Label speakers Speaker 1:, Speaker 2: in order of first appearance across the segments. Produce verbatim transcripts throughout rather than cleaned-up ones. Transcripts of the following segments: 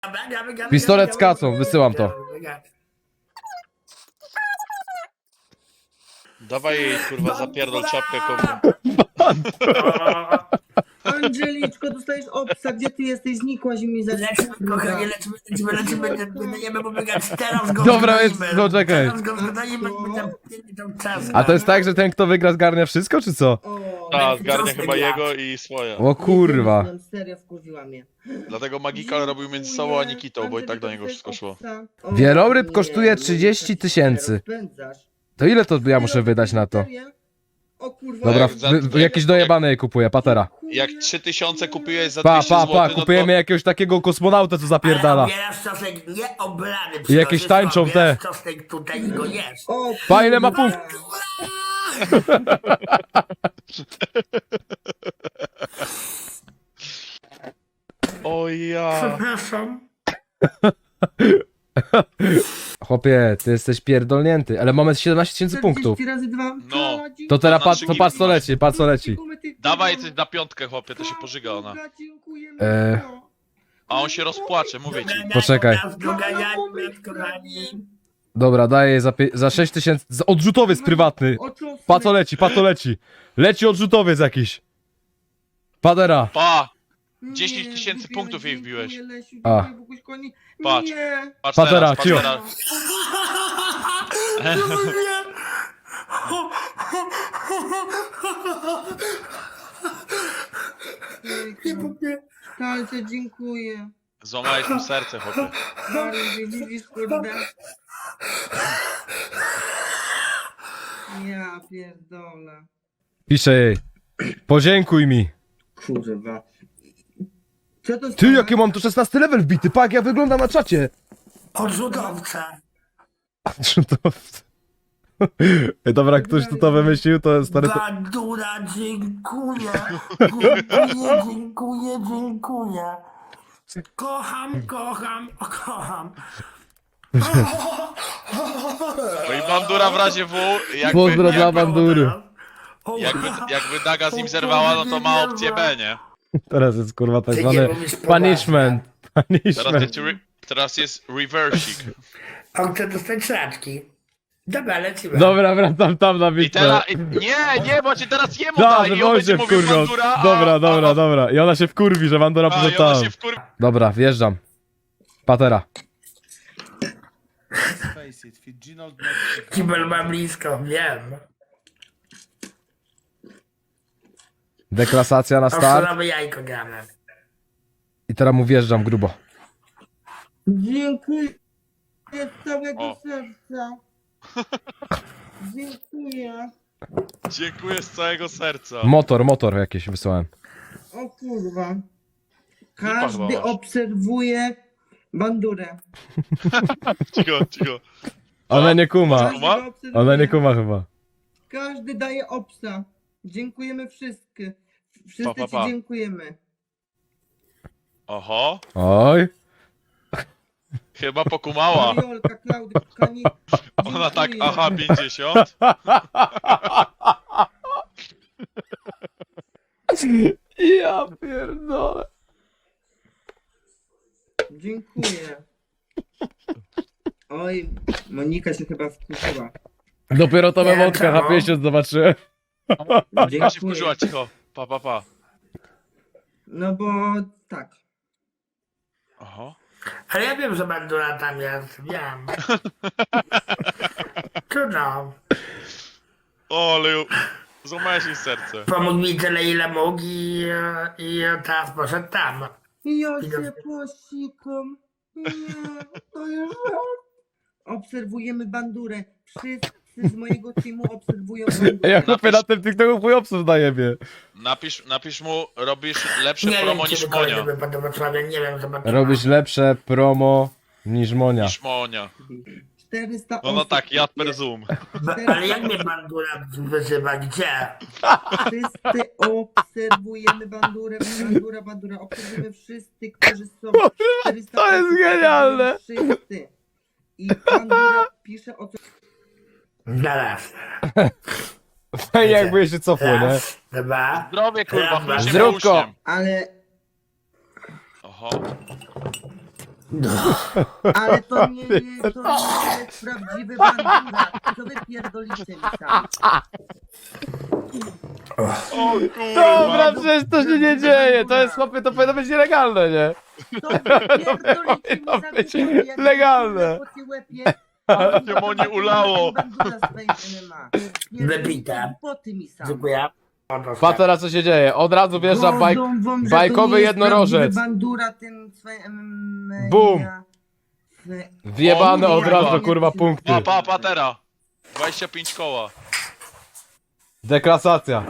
Speaker 1: Pistolet z kacą, wysyłam to.
Speaker 2: Dawaj jej, kurwa, zapierdol czapkę komu.
Speaker 3: Angeliczko, dostajesz obsa, gdzie ty jesteś? Znikłaś i mi za...
Speaker 4: Leczymy, kochanie, leczymy, leczymy, leczymy, wydajemy pobiegać, teraz go
Speaker 1: Dobra,
Speaker 4: zgonimy.
Speaker 1: jest- no czekaj.
Speaker 4: Teraz go zgonimy, będę tą czas.
Speaker 1: A to jest tak, że ten kto wygra zgarnia wszystko, czy co?
Speaker 3: O,
Speaker 2: A, zgarnia
Speaker 4: Czosnek
Speaker 2: chyba
Speaker 4: jadł.
Speaker 2: jego i swoje.
Speaker 1: O kurwa.
Speaker 3: Serio wkurwiła mnie.
Speaker 2: Dlatego Magikal robił między sobą a Nikitą, bo i tak do niego wszystko szło.
Speaker 3: O,
Speaker 1: Wieloryb
Speaker 3: nie,
Speaker 1: kosztuje
Speaker 3: nie,
Speaker 1: trzydzieści tysięcy.
Speaker 3: rozpędzasz.
Speaker 1: To ile to ja muszę wydać na to?
Speaker 3: Serio? O kurwa.
Speaker 1: Dobra,
Speaker 2: Jak za-
Speaker 1: wy, wy, jakieś dojebane je kupuję, patera.
Speaker 2: Jak trzy tysiące kupiłeś za
Speaker 1: Pa,
Speaker 2: dwieście
Speaker 1: pa, pa,
Speaker 2: złotych, no
Speaker 1: kupujemy
Speaker 2: to...
Speaker 1: jakiegoś takiego kosmonauta, co zapierdala.
Speaker 4: Ale obierasz czosnek nieoblany.
Speaker 1: I jakieś tańczą te.
Speaker 4: Obierasz czosnek tutaj i go jesz.
Speaker 3: O,
Speaker 1: Pa, ile ma
Speaker 3: kurwa.
Speaker 1: punktów?
Speaker 2: O ja.
Speaker 4: Przepraszam.
Speaker 1: Chłopie, ty jesteś pierdolnięty, ale mamy siedemnaście tysięcy punktów.
Speaker 3: czterdzieści razy dwa.
Speaker 2: No.
Speaker 1: To teraz
Speaker 2: Na
Speaker 1: patrz,
Speaker 2: trzy
Speaker 1: to
Speaker 2: gigi
Speaker 1: patrz co
Speaker 2: masz.
Speaker 1: leci, patrz co leci.
Speaker 2: Dawaj coś na piątkę, chłopie, to się pożyga ona.
Speaker 1: Eee.
Speaker 2: A on się rozpłacze, mówię ci.
Speaker 1: Poczekaj.
Speaker 4: Doganianie nas, kochani.
Speaker 1: Dobra, daję jej za, pie- za sześć tysięcy. za- Odrzutowiec prywatny. Pa co leci, pa co leci. Leci odrzutowiec jakiś. Padera.
Speaker 2: Pa! dziesięć tysięcy punktów jej wbiłeś.
Speaker 1: A.
Speaker 2: Patrz.
Speaker 3: Nie.
Speaker 2: Patrz
Speaker 1: Patera,
Speaker 2: teraz, patrz
Speaker 1: cio.
Speaker 2: teraz.
Speaker 3: Talce, dziękuję.
Speaker 2: Złamałeś mu serce, chłopie.
Speaker 3: Bardzo widzisz, kurde. Ja pierdolę.
Speaker 1: Piszę jej. Podziękuj mi.
Speaker 3: Kurwa. Co to
Speaker 1: Ty, jakie mam tu szesnasty level wbity, pa jak ja wyglądam na czacie.
Speaker 4: Odrzutowca.
Speaker 1: Odrzutowcy. Ej, dobra, ktoś tu to wymyślił, to stary to...
Speaker 4: Bandura, dziękuję. Dziękuję, dziękuję, dziękuję. Kocham, kocham, kocham.
Speaker 2: No i Bandura w razie W, jakby,
Speaker 1: Pozdro dla Bandury.
Speaker 2: jakby, jakby Daga z nim zerwała, no to ma opcję B, nie?
Speaker 1: Teraz jest kurwa tak
Speaker 4: Ty
Speaker 1: zwany
Speaker 4: nie mówisz
Speaker 1: punishment.
Speaker 2: Teraz
Speaker 1: Punishment.
Speaker 2: jest, re, teraz jest reversik.
Speaker 4: A chcę dostać sraczki. Dobra, lecimy.
Speaker 1: Dobra, wracam tam na
Speaker 2: I
Speaker 1: bitwę.
Speaker 2: teraz... i- Nie, nie, bo ci teraz jemu
Speaker 1: Da,
Speaker 2: daj
Speaker 1: że
Speaker 2: i on
Speaker 1: on
Speaker 2: będzie
Speaker 1: się
Speaker 2: mówił
Speaker 1: wkurwiał.
Speaker 2: Bandura, a...
Speaker 1: Dobra, dobra,
Speaker 2: a,
Speaker 1: dobra. I ona się wkurwi, że Bandura
Speaker 2: A,
Speaker 1: poszedł
Speaker 2: i ona
Speaker 1: tam.
Speaker 2: się wkur...
Speaker 1: Dobra, wjeżdżam. Patera.
Speaker 4: Kibel ma blisko, wiem.
Speaker 1: Deklasacja na start.
Speaker 4: Ostrowe jajko gramy.
Speaker 1: I teraz mu wjeżdżam grubo.
Speaker 3: Dziękuję z całego
Speaker 2: O.
Speaker 3: serca. Dziękuję.
Speaker 2: Dziękuję z całego serca.
Speaker 1: Motor, motor jakiś wysłałem.
Speaker 3: O kurwa.
Speaker 2: chyba
Speaker 3: Każdy
Speaker 2: masz.
Speaker 3: obserwuje bandurę.
Speaker 2: Cicho, cicho.
Speaker 1: Ona nie kuma.
Speaker 3: Każdy
Speaker 2: Kuma?
Speaker 3: go obserwuje.
Speaker 1: Ona nie kuma chyba.
Speaker 3: Każdy daje obsa. Dziękujemy wszystkie. Wszyscy
Speaker 2: Pa, pa,
Speaker 3: ci
Speaker 2: pa.
Speaker 3: dziękujemy.
Speaker 2: Oho,
Speaker 1: Oj.
Speaker 2: chyba pokumała.
Speaker 3: Mariolka, Klaudia, Kani.
Speaker 2: Ona tak,
Speaker 3: Dziękuję.
Speaker 2: aha, pięćdziesiąt.
Speaker 1: Ja pierdolę.
Speaker 3: Dziękuję. Oj, Monika się chyba wkurzyła.
Speaker 1: Dopiero to
Speaker 4: Nie,
Speaker 1: emotka
Speaker 4: czemu?
Speaker 1: H pięćdziesiąt zobaczyłem.
Speaker 2: Ona się
Speaker 3: Dziękuję.
Speaker 2: wkurzyła, cicho. Pa, pa, pa.
Speaker 3: No bo tak.
Speaker 2: Oho.
Speaker 4: Ale ja wiem, że bandura tam jest, wiem. Trudno.
Speaker 2: O, ale ją- złamałeś jej serce.
Speaker 4: Pomógł mi tyle, ile mógł i, i teraz poszedł tam.
Speaker 3: Ja się posikam. Nie, to już obserwujemy bandurę. Wszyscy z mojego teamu obserwują bandurę.
Speaker 1: Ja chłopie na tym TikToku chuj obsów daje mnie.
Speaker 2: Napisz, napisz mu, robisz lepsze
Speaker 4: Nie
Speaker 2: promo
Speaker 4: wiem,
Speaker 2: niż
Speaker 4: czy
Speaker 2: Monia.
Speaker 4: kolejny wypadł do Wrocławia, nie wiem, zobaczymy.
Speaker 1: Robisz lepsze promo niż Monia.
Speaker 2: Niż Monia.
Speaker 3: czterysta
Speaker 2: No no
Speaker 3: osób.
Speaker 2: tak, jad per Zoom.
Speaker 4: Ba- Ale jak mnie bandura wyzywa, gdzie?
Speaker 3: Wszyscy obserwujemy bandurę, bandura, bandura. Obserwujemy wszyscy, którzy są. czterysta
Speaker 1: to jest
Speaker 3: osób,
Speaker 1: genialne.
Speaker 3: obserwują Wszyscy. I bandura pisze o co.
Speaker 4: Zaraz.
Speaker 1: Fajnie jakby się cofło, nie?
Speaker 4: Raz, dwa.
Speaker 2: Zdrowie, kurwa,
Speaker 4: Raz,
Speaker 2: chluśnie
Speaker 1: Zdrówko.
Speaker 2: uśniem.
Speaker 3: Ale
Speaker 2: Oho.
Speaker 3: Ale to nie jest, to nie jest prawdziwy bandura. Co wy pierdolicie mi tam?
Speaker 2: O kurwa.
Speaker 1: Dobra, przecież to się nie dzieje, to jest chłopie, to powinno być nielegalne, nie?
Speaker 3: To wy pierdolicie mi
Speaker 1: powinno
Speaker 3: za
Speaker 1: być
Speaker 3: głupoty, jak
Speaker 1: legalne.
Speaker 3: po tej łepie.
Speaker 2: Się Moni ulało.
Speaker 3: Bandura swoim M M A.
Speaker 4: Wybite.
Speaker 3: Głupoty mi sam.
Speaker 4: Dziękuję.
Speaker 1: Pa teraz co się dzieje, od razu wjeżdża bajk,
Speaker 3: Gorzą wam, że to
Speaker 1: bajkowy
Speaker 3: nie jest
Speaker 1: jednorożec.
Speaker 3: prawdziwy bandura tym swoim M M A.
Speaker 1: Bum. Wjebane
Speaker 2: O,
Speaker 1: od razu,
Speaker 2: kurwa.
Speaker 1: kurwa, punkty.
Speaker 2: Pa, pa, patera. dwadzieścia pięć koła.
Speaker 1: Deklasacja.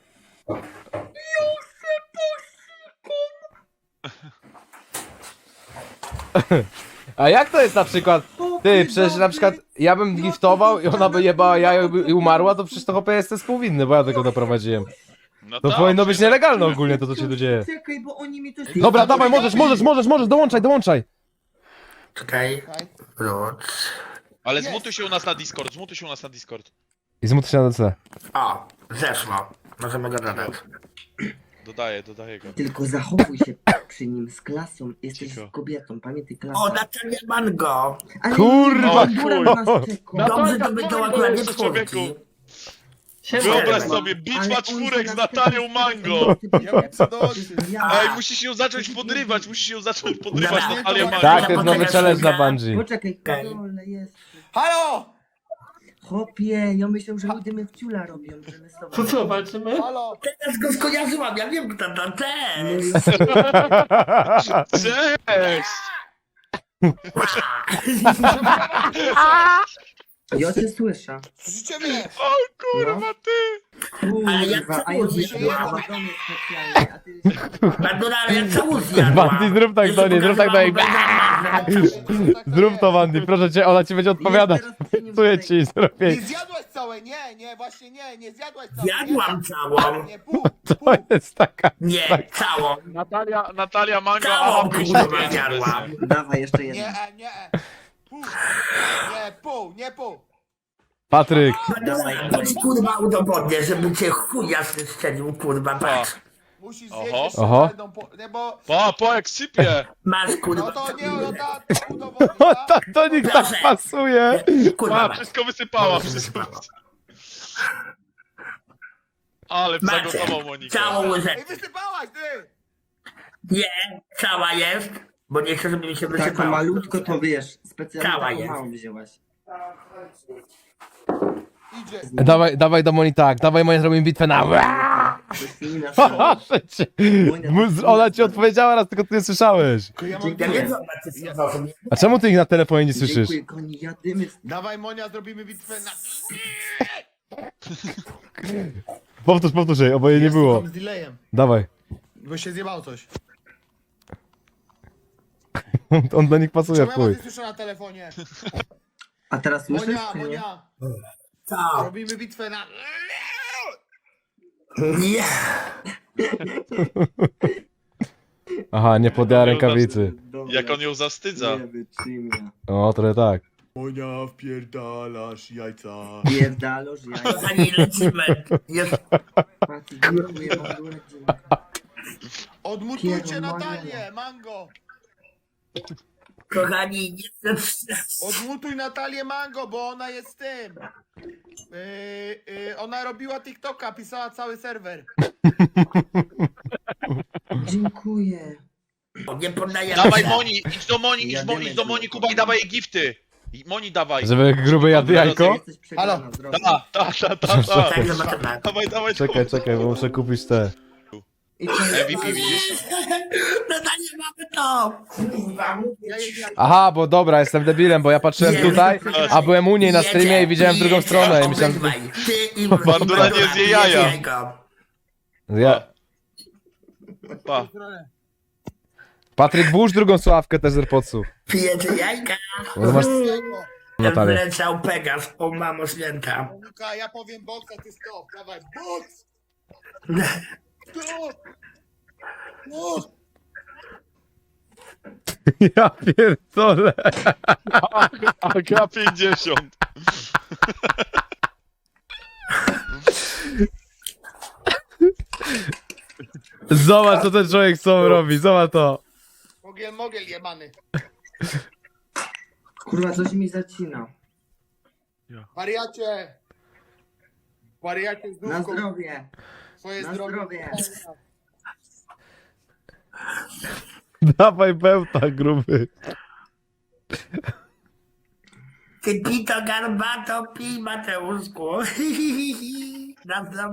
Speaker 1: A jak to jest na przykład? Ty, przecież na przykład ja bym giftował i ona by jebała jajo i by- i umarła, to przecież to chłopie jestem współwinny, bo ja tego doprowadziłem.
Speaker 2: No
Speaker 1: To
Speaker 2: tak,
Speaker 1: powinno być
Speaker 2: przecież-
Speaker 1: nielegalne ogólnie to, co się tu dzieje.
Speaker 3: Czekaj, bo oni mi to...
Speaker 1: Dobra, dawaj, możesz, możesz, możesz, możesz, dołączaj, dołączaj.
Speaker 4: Czekaj. Wróć.
Speaker 2: Ale zmutuj się u nas na Discord, zmutuj się u nas na Discord.
Speaker 1: I zmutuj się na D C.
Speaker 4: O, zeszło. Możemy go dodać.
Speaker 2: Dodaję, dodaję go.
Speaker 3: Tylko zachowuj się przy nim z klasą. Jesteś
Speaker 2: Cicho.
Speaker 3: kobietą, pamiętaj klasę.
Speaker 4: O, Natalia Mango.
Speaker 3: Ale
Speaker 1: Kurwa,
Speaker 3: bandura
Speaker 2: chuj.
Speaker 3: na nas czeka.
Speaker 4: Dobrze, to będą akurat
Speaker 2: Boże, człowieku.
Speaker 4: czwórki.
Speaker 2: Wyobraź
Speaker 4: Siema.
Speaker 2: sobie,
Speaker 3: Ale
Speaker 2: bitwa
Speaker 3: on
Speaker 2: czwórek
Speaker 3: się
Speaker 2: z
Speaker 3: nas
Speaker 2: Natalią
Speaker 3: czeka.
Speaker 2: Mango.
Speaker 3: Ja
Speaker 5: co dołączyć.
Speaker 2: Ej, musisz ją zacząć podrywać, musisz ją zacząć podrywać
Speaker 4: Dobra.
Speaker 2: Natalię Mango.
Speaker 1: Tak, to jest nowy challenge na Bungie.
Speaker 3: Poczekaj,
Speaker 4: Okej.
Speaker 3: kole jest.
Speaker 5: Halo!
Speaker 3: Chłopie, ja myślę, że ludzie mnie w ciula robią, że my z tobą...
Speaker 4: To co, walczymy?
Speaker 5: Halo!
Speaker 4: Teraz go skojarzyłam, ja wiem kto to,
Speaker 3: No
Speaker 4: cześć!
Speaker 3: i-
Speaker 2: Cześć!
Speaker 3: Ja cię słyszę.
Speaker 5: Słyszycie mnie?
Speaker 2: O kurwa, ty!
Speaker 4: Ale ja
Speaker 3: Kurwa, a
Speaker 4: chcę
Speaker 3: ja
Speaker 4: użyć
Speaker 3: wyszedłem
Speaker 4: tego.
Speaker 3: na domu specjalnie, a ty...
Speaker 4: Bandura, ale ja całą zjadłam.
Speaker 1: Wandy, zrób tak do niej, zrób tak do niej. Zrób to, Wandy, proszę cię, ona ci będzie odpowiadać. Czuję ci
Speaker 5: Nie
Speaker 1: zrobię.
Speaker 5: zjadłaś całej, nie, nie, właśnie nie, nie zjadłaś całej.
Speaker 4: Zjadłam całą.
Speaker 5: Nie, pół,
Speaker 1: To
Speaker 5: pół.
Speaker 1: jest taka...
Speaker 4: Nie, całą.
Speaker 2: Natalia, Natalia Mango,
Speaker 4: Całą
Speaker 2: aha,
Speaker 4: kurwa
Speaker 2: pięć
Speaker 4: zjadłam.
Speaker 3: Dawaj, jeszcze
Speaker 5: Nie,
Speaker 3: jeden.
Speaker 5: e, nie, e. Pół. Nie, pół, nie pół.
Speaker 1: Patryk,
Speaker 4: Bandura, to ci kurwa udowodnię, żeby cię chuj jasny strzelił, kurwa, patrz.
Speaker 5: Musisz
Speaker 2: Oho.
Speaker 5: zjeść jeszcze
Speaker 1: Oho.
Speaker 5: jedną, po, nie, bo...
Speaker 2: Pa, po jak sypie!
Speaker 4: Masz
Speaker 5: No
Speaker 4: kurwa.
Speaker 5: to nie, no ta, to udowodni,
Speaker 1: o,
Speaker 5: tak?
Speaker 1: ta, to nikt tak pasuje.
Speaker 4: Kurwa,
Speaker 2: Pa,
Speaker 4: masz.
Speaker 2: wszystko wysypała, wszystko wysypała. Ale
Speaker 4: Macie
Speaker 2: zagotował Monika.
Speaker 4: całą
Speaker 5: Ej,
Speaker 4: łyżeczkę.
Speaker 5: wysypałaś, ty!
Speaker 4: Nie, cała jest, bo nie chcę, żeby mi się
Speaker 3: Taką
Speaker 4: wysypało.
Speaker 3: malutko to wiesz, specjalnie
Speaker 4: Cała
Speaker 3: taką
Speaker 4: jest.
Speaker 3: małą wzięłaś.
Speaker 5: Idzie.
Speaker 1: Dawaj, dawaj do Moni tak, dawaj Monia, zrobimy bitwę na...
Speaker 3: Krystyna,
Speaker 1: Proszę cię. Mu- Ona ci odpowiedziała raz, tylko ty nie słyszałeś.
Speaker 5: Ja mam
Speaker 4: Ja nie zobaczę, co to
Speaker 1: A czemu ty ich na telefonie nie słyszysz?
Speaker 3: Dziękuję, koni, jadymy.
Speaker 5: Dawaj, Monia, zrobimy bitwę na...
Speaker 1: Powtórz, powtórz jej, oboje nie było.
Speaker 5: Z delayem,
Speaker 1: Dawaj.
Speaker 5: bo się zjebało coś.
Speaker 1: On do nich pasuje
Speaker 5: Czemu
Speaker 1: w
Speaker 5: ja was
Speaker 1: chuj.
Speaker 5: nie słyszę na telefonie?
Speaker 3: A teraz słyszysz,
Speaker 5: Monia,
Speaker 3: czy nie?
Speaker 5: Monia,
Speaker 4: Co?
Speaker 5: robimy bitwę na...
Speaker 4: Nie.
Speaker 1: Aha, nie podjęła rękawicy.
Speaker 3: Dobra,
Speaker 2: Jak on ją zawstydza.
Speaker 3: nie wytrzymia.
Speaker 1: O, trochę tak.
Speaker 5: Monia, wpierdalasz jajca.
Speaker 3: Pierdaloż, ja
Speaker 4: Kochani, lecimy. Jest
Speaker 3: Patrz, dziękuję, mam dużo dziękuję.
Speaker 5: Odmutujcie
Speaker 3: Pierdolę.
Speaker 5: Natalię, Mango!
Speaker 4: Kochani, jestem...
Speaker 5: Odmutuj Natalię Mango, bo ona jest tym. Yy, yy, ona robiła TikToka, pisała cały serwer.
Speaker 3: Dziękuję.
Speaker 4: Nie poddaję
Speaker 2: Dawaj
Speaker 4: się.
Speaker 2: Moni, idź do Moni, idź, Mo, idź do Moni, Kuba i dawaj jej gifty. I Moni dawaj.
Speaker 1: Żeby gruby jadł jajko?
Speaker 3: Jesteś przegrana, zdrowie.
Speaker 2: Ta, ta, ta, ta, ta.
Speaker 4: Tak, zobaczymy.
Speaker 2: Dawaj, dawaj.
Speaker 1: Czekaj, czekaj, bo muszę kupić te.
Speaker 3: I to
Speaker 2: M V P widzisz?
Speaker 4: No to nie mamy to.
Speaker 5: Ja jej
Speaker 1: Aha, bo dobra, jestem debilem, bo ja patrzyłem tutaj, a byłem u niej na streamie i widziałem drugą
Speaker 4: Jedzie,
Speaker 1: stronę i myślałem, że...
Speaker 4: obydwaj. Ty i
Speaker 2: Bandura nie zje jaja.
Speaker 4: jajko.
Speaker 1: Ja...
Speaker 2: Pa.
Speaker 1: Patryk, włóż drugą sławkę też z AirPodsów.
Speaker 4: Pijecie jajka.
Speaker 1: Bo masz
Speaker 5: jajko.
Speaker 1: Natalię.
Speaker 4: Wleciał Pegas, o mamo święta.
Speaker 5: Monika, ja powiem boks, a ty stop. Dawaj, boks! Stop! Boks!
Speaker 1: Ja pierdolę.
Speaker 2: A K pięćdziesiąt.
Speaker 1: Zobacz, co ten człowiek z sobą robi, zobacz to.
Speaker 5: Mogiel, mogiel jebany.
Speaker 3: Kurwa, coś mi zacina.
Speaker 5: Wariacie! Wariacie z
Speaker 3: Na
Speaker 5: dupką.
Speaker 3: zdrowie.
Speaker 5: Swoje
Speaker 3: Na
Speaker 5: zdrowie.
Speaker 3: zdrowie.
Speaker 1: Dawaj bełta, gruby.
Speaker 4: Ty pito garbato, pij Mateuszku. Na zdrowie.